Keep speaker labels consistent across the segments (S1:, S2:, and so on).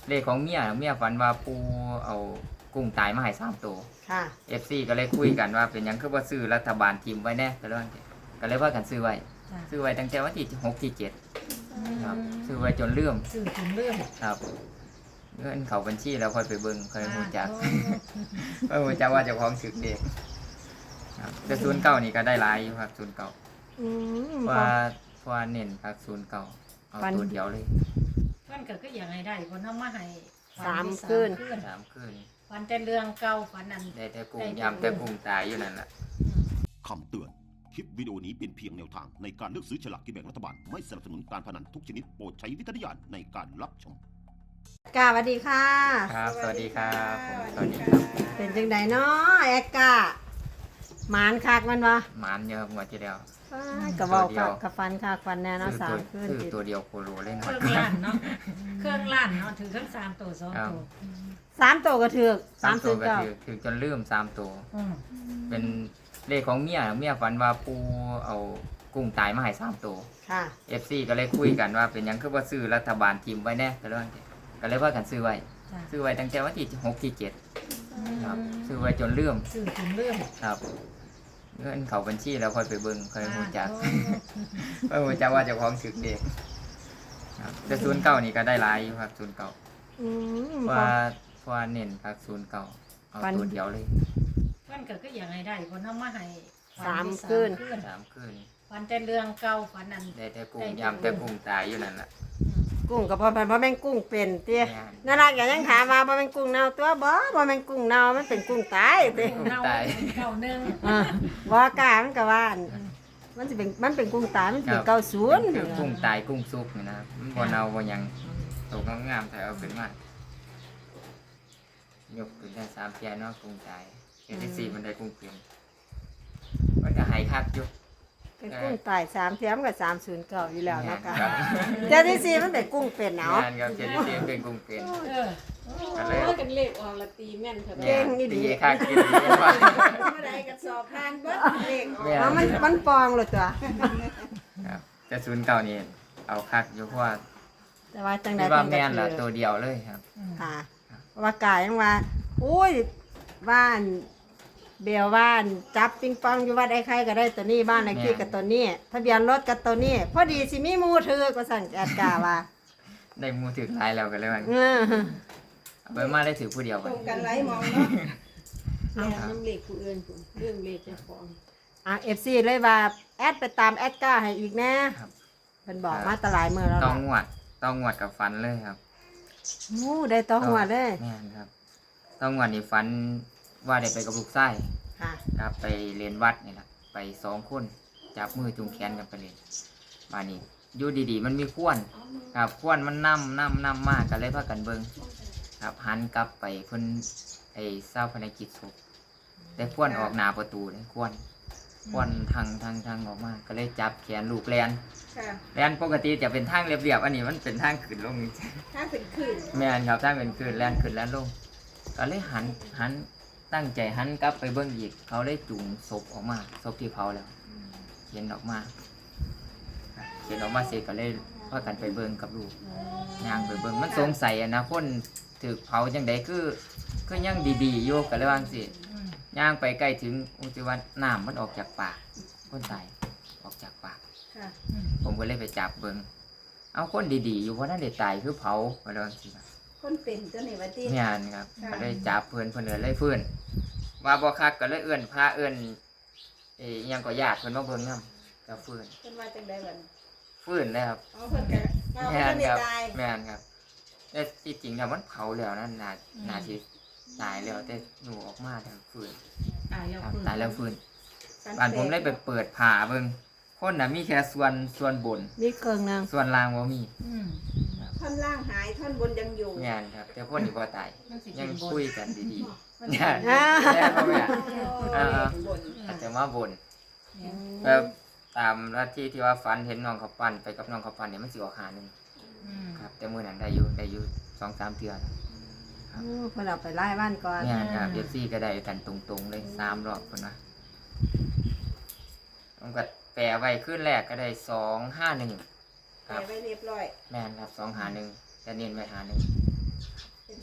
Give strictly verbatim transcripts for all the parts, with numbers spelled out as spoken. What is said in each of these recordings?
S1: เลขของเมียเมียฝันว่าปูเอากุ้งตายมาให้สามตัว
S2: ค่ะ
S1: เอฟซีก็เลยคุยกันว่าเป็นหยังคือว่าซื้อรัฐบาลทีมไว้แน่ก็เลยก็เลยว่ากันซื้อไว้ซื้อไว้ตั้งแต่วันที่หกที่เจ็ดครับซื้อไว้จนเลื่อม
S3: ซื้อจนเลื่อม
S1: ครับเงินเขาบัญชีแล้วค่อยไปเบิ่งค่อยรู้จักค่อยรู้จักว่าเจ้าของถึกเด็กครับแต่ศูนย์เก้านี่ก็ได้หลายอยู่ครับศูนย์เก้าว่าว่าเน้นครับศูนย์เก้าเอาตัวเดียวเลย
S3: มันก็คืออย่างไรได้เพราะน้องมาให้
S2: สามคืน
S1: สามคืน
S3: ฝันแต่เรื่องเก่าฝันนั้น
S1: ได้แต่กุ้งยำแต่กุ้งตายอยู่นั่นแหละ
S4: คำเตือนคลิปวิดีโอนี้เป็นเพียงแนวทางในการเลือกซื้อฉลากกินแบ่งรัฐบาลไม่สนับสนุนการพนันทุกชนิดโปรดใช้วิจารณญาณในการรับชม
S2: กาสวัสดีค่ะ
S1: ครับสวัสดีครับผมสวัสดีครับ
S2: เป็นจังไดเนาะแอกกาหมานคักมันวะ
S1: หมานเยอะหมดทีเดียว
S2: กระบอกกับฟันคักฟันแน่เนาะสามคืน
S1: คือตัวเดียวโคโลเลยนะ
S3: เครื่องล้านเนาะเครื่องล้านเนาะถือทั้งสามตัวสองตัว
S2: สามตัวก็ถือ
S1: สามตัวก็ถือถือจนลืมสามตัวเป็นเลขของเมียเมียฝันว่าปูเอากุ้งตายมาให้สามตัว
S2: ค่ะ
S1: เอฟซีก็เลยคุยกันว่าเป็นหยังคือว่าซื้อรัฐบาลทีมไว้แน่ก็เลยก็เลยว่ากันซื้อไว้ซื้อไว้ตั้งแต่วันที่หกที่เจ็ดครับซื้อไว้จนเลื่อม
S3: ซื้อจนเลื่อม
S1: ครับเงินเขาบัญชีแล้วค่อยไปเบิ่งค่อยรู้จักค่อยรู้จักว่าเจ้าของถึกเด็กแต่ศูนย์เก้านี่ก็ได้หลายอยู่ครับศูนย์เก้าว่าว่าเน้นครับศูนย์เก้าเอาตัวเดียวเลย
S3: มันก็คืออย่างไรได้เพราะน้องมาให้
S2: สามคืน
S1: สามคืน
S3: ฝันแต่เรื่องเก่าฝันนั้น
S1: ได้แต่กุ้งยำแต่กุ้งตายอยู่นั่นแหละ
S2: กุ้งกับพ่อพันพ่อแม่งกุ้งเป็นเตี้ยน่ารักอย่างยังถามมาพ่อแม่งกุ้งเน่าตัวบ่พ่อแม่งกุ้งเน่ามันเป็นกุ้งตายเตี้ย
S1: ตาย
S3: เก่าหนึ่ง
S2: บ่กล้ามันก็ว่ามันจะเป็นมันเป็นกุ้งตายมันเป็นเก้าศูนย์
S1: คือกุ้งตายกุ้งซุปนี่นะมันบ่เน่าบ่ยังตกงามๆแต่เอาขึ้นมายกขึ้นได้สามเพียเนาะกุ้งตายเอที่สี่มันได้กุ้งเปลี่ยนมันก็หายคักอยู่
S2: เป็นกุ้งตายสามเทียมกับสามศูนย์เก่าอยู่แล้วนะคะเจ้าที่สี่มันเป็นกุ้งเป็นเนาะ
S1: งานครับเจ้าที่สี่เป็นกุ้งเป็น
S5: อะไรกันเลขออกละตีแม่นเถอะ
S2: เก่งนี่ดี
S1: คักกินดีว่า
S5: เมื่อไรกับสอบผ่านเบิดเลขอ
S2: อกมันมันปองเลยตัว
S1: ครับแต่ศูนย์เก่านี่เอาคักอยู่เพราะว่า
S2: แต่ว่าจังได๋
S1: ว่าแม่นล่ะตัวเดียวเลยครับ
S2: ค่ะว่ากายยังว่าอุ้ยบ้านเบียวบ้านจับปิงปองอยู่วัดไอ้ไข่ก็ได้ตัวนี้บ้านไอ้ขี้กับตัวนี้ทะเบียนรถกับตัวนี้พอดีสิมีมูถือก็สั่งแอดกาว่า
S1: ได้มูถือหลายแล้วกันเลยมันเอาไปมาได้ถือผู้เดียว
S5: ตรงกันไล่มองเนาะแล้วน้ำเลขผู้อื่นเรื่องเลขเจ้าของ
S2: อ่ะ เอฟ ซี เลยว่าแอดไปตามแอดกาให้อีกแน่เพิ่นบอกมาตลายมื้อแล้ว
S1: ต้องงวดต้องงวดกับฟันเลยครับ
S2: มูได้ต้องงวดเลย
S1: แม่นครับต้องงวดนี่ฟันว่าได้ไปกับลูกไส้ครับไปเรียนวัดนี่แหละไปสองคนจับมือจุงแขนกันไปเรียนมานี่อยู่ดีๆมันมีข้วนครับข้วนมันนั่มนั่มนั่มมากกันเลยพากันเบิ้งครับหันกลับไปเพิ่นไอ้เศร้าภารกิจศพได้ข้วนออกหน้าประตูได้ข้วนข้วนทางทางทางออกมาก็เลยจับแขนลูกแลนแลนปกติจะเป็นทางเรียบๆอันนี้มันเป็นทางขึ้นลงจริง
S5: ทางเป็นขึ้น
S1: แม่นครับทางเป็นขึ้นแลนขึ้นแลนลงก็เลยหันหันตั้งใจหันกลับไปเบิ้งอีกเขาเลยจุงศพออกมาศพที่เผาแล้วเขียนออกมาเขียนออกมาเสร็จก็เลยพากันไปเบิ้งกับลูกย่างไปเบิ้งมันสงสัยนะคนถือเผาจังใดคือคือยังดีๆโยกกันเลยว่าสิย่างไปใกล้ถึงอุจจาระน้ำมันออกจากปากคนตายออกจากปากผมก็เลยไปจับเบิ้งเอาคนดีๆอยู่เพราะนั่นเด็กตายคือเผาไปเลยสิ
S5: คนเป็นเจ้าหนี้วัดที่
S1: งานครับก็เลยจับเพื่อนเพื่อนเลยเพื่อนว่าบ่คักก็เลยเอื้อนพาเอื้อนเอ้ยังก็ญาติเพื่อนมาเบิ่งนำกับเพื่อน
S5: เพิ่นมาจังได๋บัด
S1: เพื่อนเลยครับ
S5: อ๋อเพิ่นก็
S1: แม่นครับแม่นครับแต่ที่จริงแล้วมันเผาแล้วนั่นน่าน่าสิตายแล้วแต่หนูออกมาทางเพื่อน
S3: ตายแล้ว
S1: ตายแล้วเพื่อนบ้านผมเลยไปเปิดผ่าเบิ่งคนน่ะมีแค่ส่วนส่วนบน
S2: มีเครื่องนึง
S1: ส่วนล่างบ่มี
S5: ท่อนล่างหายท่อนบนยังอยู่
S1: งานครับแต่คนนี่บ่ตายยังคุยกันดีๆงาน
S2: แม่
S1: บ่แม่อ่าแต่มาบนแบบตามลัทธิที่ว่าฝันเห็นน้องเขาปั้นไปกับน้องเขาปั้นเนี่ยมันสิออกหานึงครับแต่มื้อนั้นได้อยู่ได้อยู่ สองสาม เทื่อ
S2: ครับเพิ่นเอาไปไล่บ้านก่อน
S1: งานครับ เอฟ ซี ก็ได้กันตรงๆเลยสามรอบเพิ่นว่าผมก็แปลไว้ขึ้นแรกก็ได้สองห้าหนึ่ง
S5: แปลไว้เรียบร้อย
S1: แม่นครับสองหาหนึ่งจะเน้นไว้หาหนึ่ง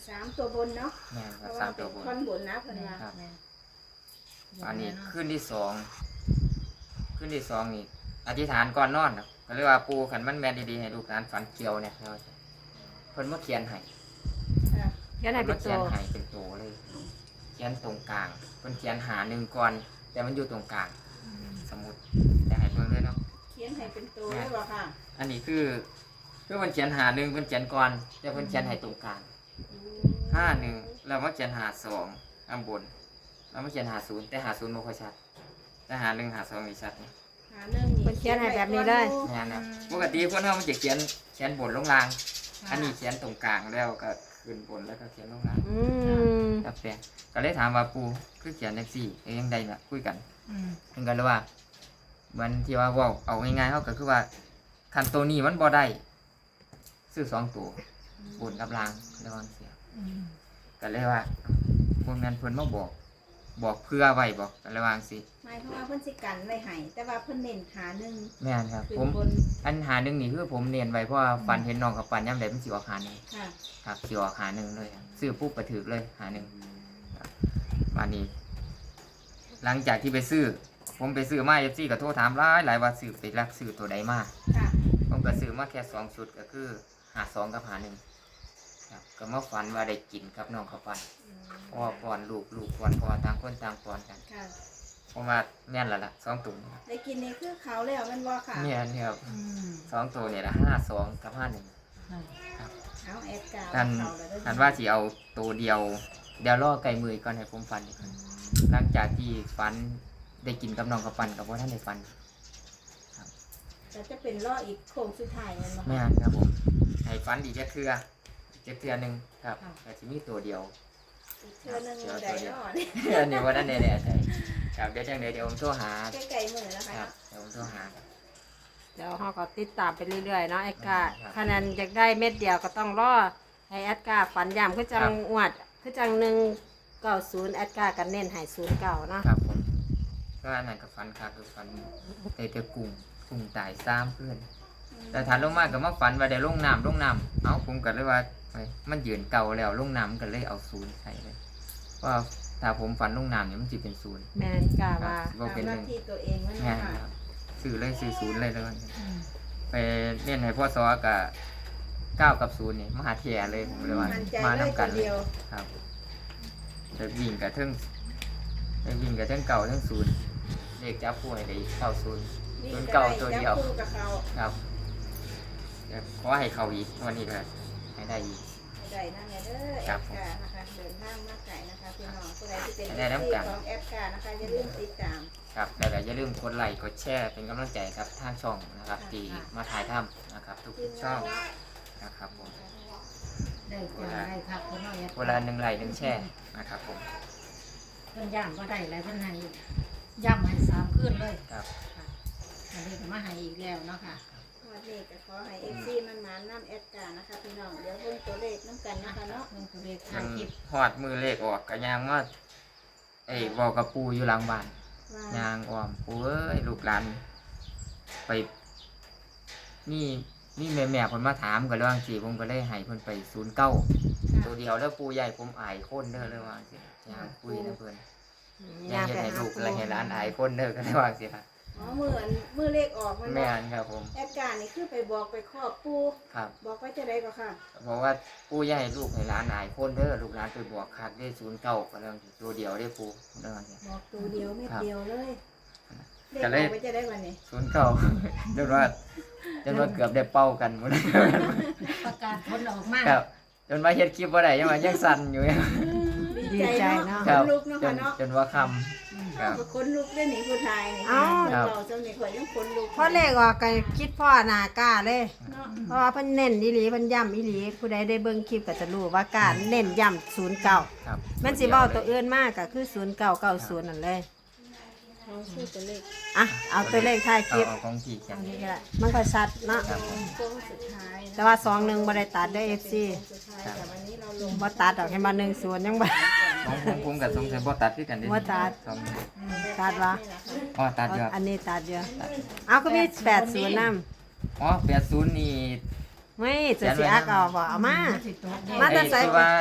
S5: สามตัวบนเนาะ
S1: แม่นค
S5: เพ
S1: รับ
S5: ราะ
S1: สา
S5: ว่าม เป็
S1: ตัวน บน
S5: ท่อนบนนะเพิ่นว่า
S1: ครับ
S3: แม่
S1: อันนี้ขึ้นที่สองขึ้นที่สองนี่อธิษฐานก่อนนอนนะก็เรียกว่าปูขันมันแม่นดีๆให้ลูกหลานฝันเกี่ยวเนี่ยเราจะเพิ่นมาเขียนให้
S5: ค่ะ
S2: เขียนให้เป็น
S1: เขี
S2: ตั
S1: ยน
S2: ว
S1: ให้เป็นโตเลยเขียนตรงกลางเพิ่นเขียนหาหนึ่งก่อนแต่มันอยู่ตรงกลางสมุดแต่ให้เบิ่งเลยเนาะ
S5: เขียนให้เป็นตัวได้บ่ค่ะ
S1: อันนี้คือคือมันเขียนหาหนึ่งเพิ่นเขียนก่อนแต่เพิ่นเขียนให้ตรงกลางห้าหนึ่งแล้วมาเขียนหาสองข้างบนแล้วมาเขียนหาศูนย์แต่หาศูนย์บ่ค่อยชัดแต่หาหนึ่งหาสองนี่ชัดนี่
S5: หาเรื่องนี้
S2: เพิ่นเขียนให้แบบนี้เลย
S1: งานนะปกติคนเรามันจะเขียนเขียนบนลงล่าง อันนี้เขียนตรงกลางแล้วก็ขึ้นบนแล้วก็เขียนลงล่าง
S2: อืม
S1: ครับแปลงก็เลยถามว่าปูคือเขียนจังซี่เอ้ยยังไดน่ะคุยกัน
S3: อืม
S1: เพิ่นก็เลยว่าเหมือนที่ว่าเว้าเอาง่ายๆเฮาก็คือว่าคันตัวนี้มันบ่ได้ซื้อสองตัวบนกับล่างระวังเสีย
S3: อืม
S1: ก็เลยว่าพวกนั้นเพิ่นมาบอก บอกเพื่อไว้บอกก็เลยว่าจังซี่
S5: หมายความว่าเพิ่นสิกันไว้ให้แต่ว่าเพิ่นเน้นหาหนึ่ง
S1: แม่นครับ
S5: ขึ้น
S1: ผม
S5: บน
S1: อันหาหนึงนี่คือผมเนียนไว้เพราะว่าฟันเห็นน้องกับฟันยามใดมันสิออกหาหนึง
S5: ค่ะ
S1: ครับสิออกหาหนึ่งเลยครับซื้อปุ๊บก็ถือเลยหาหนึ่งครับมานี้ หลังจากที่ไปซื้อ ผมไปซื้อมาเอฟซีก็โทรถามหลายหลายว่าซื้อไปรักซื้อตัวใดมา
S5: ค่ะ
S1: ผมก็ซื้อมาแค่สองชุดก็คือหาสองกับหาหนึ่งครับก็มาฝันว่าได้กินกับน้องเขาวปันพ่อป้อนลูกลูกป้อนพ่อต่างคนต่างป้อนกัน
S5: ค่ะ
S1: ผมว่าแม่นและล่ะสองตัวนี่
S5: ได้กินนี่คือเขาแล้วแมันบ่ค่ะ
S1: เนี่ยนี่ครับ
S3: อืม
S1: สองตัวเนี่ยละห้าสองกับห้าหนึ่ง
S3: ค่ะ
S5: เอาแอดกาว
S1: ท่าน
S5: เขาแล้วเด้อ
S1: ท่านว่าสิเอาตัวเดียวเดี๋ยวล่อไก่มือก่อนให้ผมฟันอีกครั้งหลังจากที่ฟันได้กินกับน้องกับปันกับว่าท่านได้ฟัน
S5: แต่จะเป็นล่ออีกโค้งสุดท้ายแมันบ่
S1: ไม่
S5: ค่ะ
S1: นครับผมให้ฟันอีกแค่เทืออีกเทือหนึ่งครับแต่ที่มีตัวเดียว
S5: อีกเทื่อหนึงได้เนาะนี่
S1: อันนี้ว่านั่นแน่ๆใช่ครับเดี๋ยวจังเดี๋ยวเดี๋ยวผมโทรหา
S5: ใกล้ๆมื้อแล้ว
S1: ค
S5: ค่ะ
S1: รับเดี๋ยวผมโทรหา
S2: เดี๋ยวเราก็ติดตามไปเรื่อยๆเนาะแอดกา
S1: ครับ
S2: คะแนนอยากได้เม็ดเดียวก็ต้องรอให้แอดกาฝันย้ำคือจั
S1: ครั
S2: ง
S1: บ
S2: อวดคือจังหนึ่งเก้าศูนย์แอดกากันเน้นให้ศูนย์เก้าเนาะ
S1: ครับผมก็อันนั้นกับฟันครับคือฟันเตะเตะกุ้งกุ้งตายซ้ำเพื่อน แต่ฐานลงมาก็มาฝันว่าได้ลงน้ำลงน้ำเอาผมก็เลยว่าเฮ้ยมันยืนเก่าแล้วลงน้ำก็เลยเอาศูนย์ใส่เลยว่าถ้าผมฝันลงน้ำเนี่ยมันจะเป็นศูนย์
S2: แม่นกา
S1: ครับ
S2: ว่า
S1: บ่เป็น
S5: ตามห
S1: ห
S5: น้า
S1: นึ่ง
S5: ที่ตัวเองมัน
S1: งาน
S5: เนาะค่ะ
S1: ครับซื้อเลยซื้อศูนย์เลยแล้วกัน
S3: อืม
S1: ไปเล่นให้พ่อซอกับเก้ากับศูนย์นี่มหาเทียเลยผมเลยว่า
S5: มั่นใจ
S1: มา
S5: เลย
S1: นำกั
S5: ตั
S1: น
S5: ว
S1: เลย
S5: เดียว
S1: ครับเด็กวิ่งกับเทิงเด็กวิ่งกับเทิงเก่าเทิงศูนย์เด็กจับผู้ให้ได้เก้าศูนย์
S5: นี่
S1: ศูนย์
S5: ก็
S1: เก่า
S5: ได้
S1: ตัว
S5: จับ
S1: เดียว
S5: คู่กับเขา
S1: ครับเดี๋ยวขอให้เขาอีกวันนี้ก็ให้ได้อีก
S5: ให้ได้นั่นแหละเด้อ
S1: ครั
S5: แอบ ดกานะคะเดินทางมาไกลนะคะพี่น้องผู้ใดที่เป็น
S1: ได้น้ำกัน
S5: ของแอดกานะคะอย่าลืมติดตาม
S1: ครับแล้วก็อย่าลืมกดไลค์กดแชร์เป็นกำลังใจครับทางช่องนะครับที่มาถ่ายทำนะครับทุก
S5: ทีม
S1: ช่อง
S5: งานเนาะ
S1: นะครับผม
S3: ได้จ้าได้ครับเพิ่นเอาอย่า
S1: เวลาหนึ่งไลค์หนึ่งแชร์นะครับผม
S3: เพิ่นย่ำก็ได้แล้วเพิ่นให้ย่ำให้สามคืนเลย
S1: ครับ
S3: ค่ะอันนี้ก็มาให้อีกแล้วเนาะค่ะ
S5: วันนี้ก็ขอให้เอฟซีมันมาน้ำแอดกานะคะพี่น้องเดี๋ยวเพิ่มตัวเลขน้ำกันนะคะเนาะ
S3: เพิ่นก็เลข
S1: มั
S3: ถ่าย
S1: น
S3: คลิป
S1: หอดมือเลขออกกระยางว่าไอ้บอกกับปูอยู่หลังบ้าน
S5: ว่าย
S1: างอ้อมปูเอ้ยลูกหลานไปนี่นี่แม่แม่ๆคนมาถามกันเรื่องสิผมก็เลยให้เพิ่นไปศูนย์เก้าตัวเดียวแล้วปูใหญ่ผมอายคนเด้อเลยว่าสิยางคุยนะเพิ่นยางเฮ็ดให้ลูกอะไรให้หลานอายคนเด้อก็เลยว่าสิครับ
S5: อ๋อมืออันมือเลขออกมัน
S1: แม่
S5: บอก
S1: นครับผม
S5: แอดกานี่คือไปบอกไปครอบปู
S1: ครับ
S5: บอกว่าจะได้ก็ค่ะ
S1: บอกว่าปู่อย่าให้ลูกให้หลานอายคนเด้อลูกหลานไปบวกคักได้ศูนย์เก้าก็เรื่องตัวเดียวได้ปู่เรื่องนี้
S5: บอกตัวเดียวเม็ดเดียวเลยเลข
S1: ก็
S5: อ
S1: เลย
S5: อกไปจะได้วันนี้
S1: ศูนย์เก้า จนว่าจนว่าเกือบได้เป้ากันหมด
S3: ประกาศผลออกมา
S1: ครับจนว่าเฮ็ดคลิปบ่ได้ยังว่ายังสั่นอยู่
S5: ดีใจเนาะ
S1: ค
S5: ข
S1: รับ
S5: นลุกเนาะ
S1: จ
S5: ค่ะ
S1: น
S5: เนาะ
S1: จนว่าคำครับ
S5: ขนลุกได้หนีผู้ชายนี่
S2: เอ้า
S1: ครับ
S5: เราจำนี่ข่อยยังขนลุก
S2: พอเลขออกก็คิดพ่อหนากล้าเลย
S5: เนาะ
S2: เพราะว่าเพิ่นเน้นอีหลีเพิ่นย้ำอีหลีผู้ใดได้เบิ่งคลิปก็จะรู้ว่าการเน้นย้ำศูนย์เก้า
S1: ครับ
S2: มันสิเว้าตัวอื่นมากก็คือศูนย์เก้าเก้าศูนย์นั่นเลย
S5: น้องชื่อตัวเลข
S2: อ่ะเอาตัวเลขท้ายค
S1: เอา
S2: ลิป
S1: เอาของพี่เขีย
S2: อั
S1: น
S2: นนี้ก็ได้มันก็ชัดเนาะ
S1: ครับผม
S5: โค้งสุดท้ายนะ
S2: แต่ว่าสองหนึ่งบ่ได้ตัดเด้อ เอฟ ซี
S5: โค้งสุดท้ายแต่วันนี้เราลง
S2: บ่ตัดดอกให้มาหนึ่งศูนย์ยังบ่
S1: ของผมผมกับสงสัยบ่ตัดคือกันเด้
S2: บ่ตัด
S1: สอง
S2: ตัดวะ
S1: อ๋อตัดอยู่ครับ
S2: อันนี้ตัดเยอะเอาก็มีแปดศูนย์นำ
S1: อ๋อแปดศูนย์นี่
S2: ไม่จะสิอักเอาบ่เอามา
S3: สิตัวเดียว
S2: มาแต่
S1: ไอ้
S2: ใส่
S1: ที่ว่า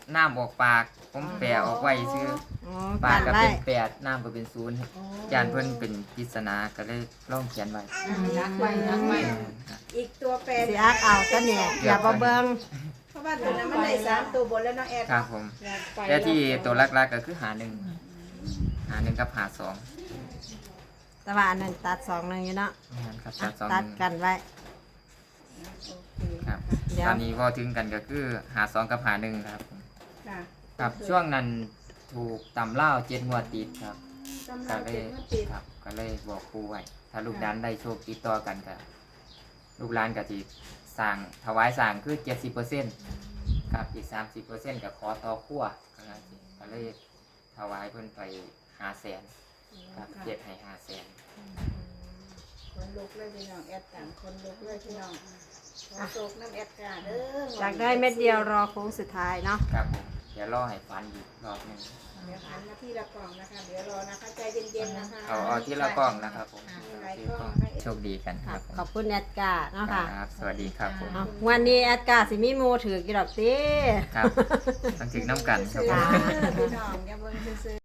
S1: น้ำออกปาก ผมแปลออกไว้ซื้อ
S2: อ๋อ
S1: ปาก
S2: กัน
S1: ก็
S2: ไว้
S1: เป็นแปดน้ำก็เป็นศูนย์ยานเพิ่นเป็นปริศนาก็เลยลองเขียนไว้
S3: รักไว้รักไว้
S5: อีกตัวแปร
S2: สิอักเอาก็เนี่ยอย่าบ่เบิ่ง
S5: เพราะว่าตัวนั้นมันได้สามตัวบนแล้วเนาะแอด
S1: ครับผม แต่ที่ตัวหลักๆก็คือหาหนึ่งหาหนึ่งกับหาสอง
S2: แต่ว่าอันนั้นตัดสองหนึงอยู่เนาะ
S1: นั่นครับ
S2: อ่ะ
S1: ตัดสองห
S2: ตัด
S1: นึ่ง
S2: กันไว้
S5: โอเค
S1: ครับ
S2: เดี๋ยว
S1: ตอนนี้พอถึงกันก็คือหาสองกับหาหนึ่งครับผม
S5: ค่ะ
S1: ครับช่วงนั้นถูกตำเล่าวเจ็ดงวดติดครับ
S5: ตำ
S1: ก็
S5: รา
S1: เล
S5: เจ็
S1: ย
S5: ดมาติด
S1: ครับก็เลยบอกครูไว้ถ้าลูกหลานได้โชคติดต่อกันก็ลูกหลานก็จะสั่งถวายสั่งคือเจ็ดสิบเปอร์เซ็นต์ครับอีกสามสิบเปอร์เซ็นต์ก็ขอต่อขั้วก็เลยก็เลยถวายเพิ่นไปหาแสนครับเจ็ดให้หาแสน
S5: คนลุกเลยพี่น้องแอดต่างคนลุกเลยพี่น้องขอโศกน้ำแอดกาเด้อ
S2: อยากได้เม็ดเดียวรอโค้งสุดท้ายเนาะ
S1: ครับผมเดี๋ยวรอให้ฟันอีกรอบหนึง
S5: เดี๋ยวหันมาที่ละกล่องนะคะ เดี๋ยวรอนะคะใจเย็นๆนะคะ
S1: เอาเอาที่ละกล้องนะครับผม
S5: มีหลาย
S1: ที่
S5: กล้อง
S1: กล้อง
S5: นะคะ
S1: โชคดีกันค
S2: ครั
S1: รั
S2: บบ
S1: ผม
S2: ขอบคุณแอดกาเนาะค่ะ
S1: ครับสวัสดีครับผม
S2: เอาวันนี้แอดกาสิมีหมูถือกี่ดอกติ
S1: ครับต้องถึงน้ำกันครับผม
S5: พี่น้องอย่าเบิ่งซื่อๆ